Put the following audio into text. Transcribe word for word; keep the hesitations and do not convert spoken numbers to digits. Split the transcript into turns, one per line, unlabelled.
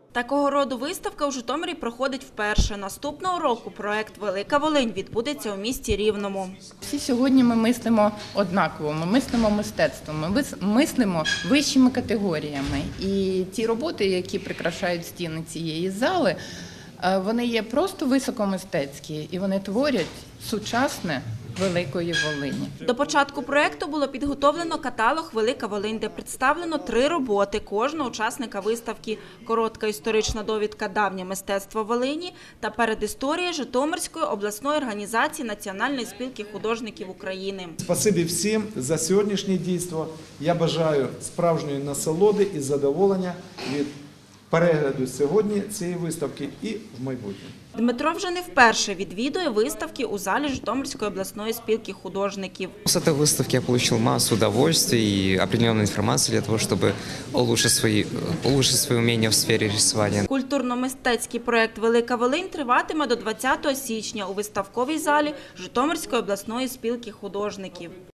Такого роду виставка у Житомирі проходить вперше. Наступного року проект «Велика Волинь» відбудеться у місті Рівному.
Всі сьогодні ми мислимо однаково, ми мислимо мистецтвом, ми мислимо вищими категоріями. І ті роботи, які прикрашають стіни цієї зали, вони є просто високомистецькі і вони творять сучасне Великої Волині.
До початку проекту було підготовлено каталог «Велика Волинь», де представлено три роботи кожного учасника виставки: коротка історична довідка «Давнє мистецтво Волині» та передісторія Житомирської обласної організації Національної спілки художників України.
Спасибі всім за сьогоднішнє дійство. Я бажаю справжньої насолоди і задоволення від перегляду сьогодні цієї виставки і в майбутньому.
Дмитро вже не вперше відвідує виставки у залі Житомирської обласної спілки художників.
С этой выставки я получил массу удовольствия и определенной информации для того, чтобы улучшить свои, улучшить свои умения в сфере рисования.
Культурно-мистецький проект «Велика Волинь» триватиме до двадцятого січня у виставковій залі Житомирської обласної спілки художників.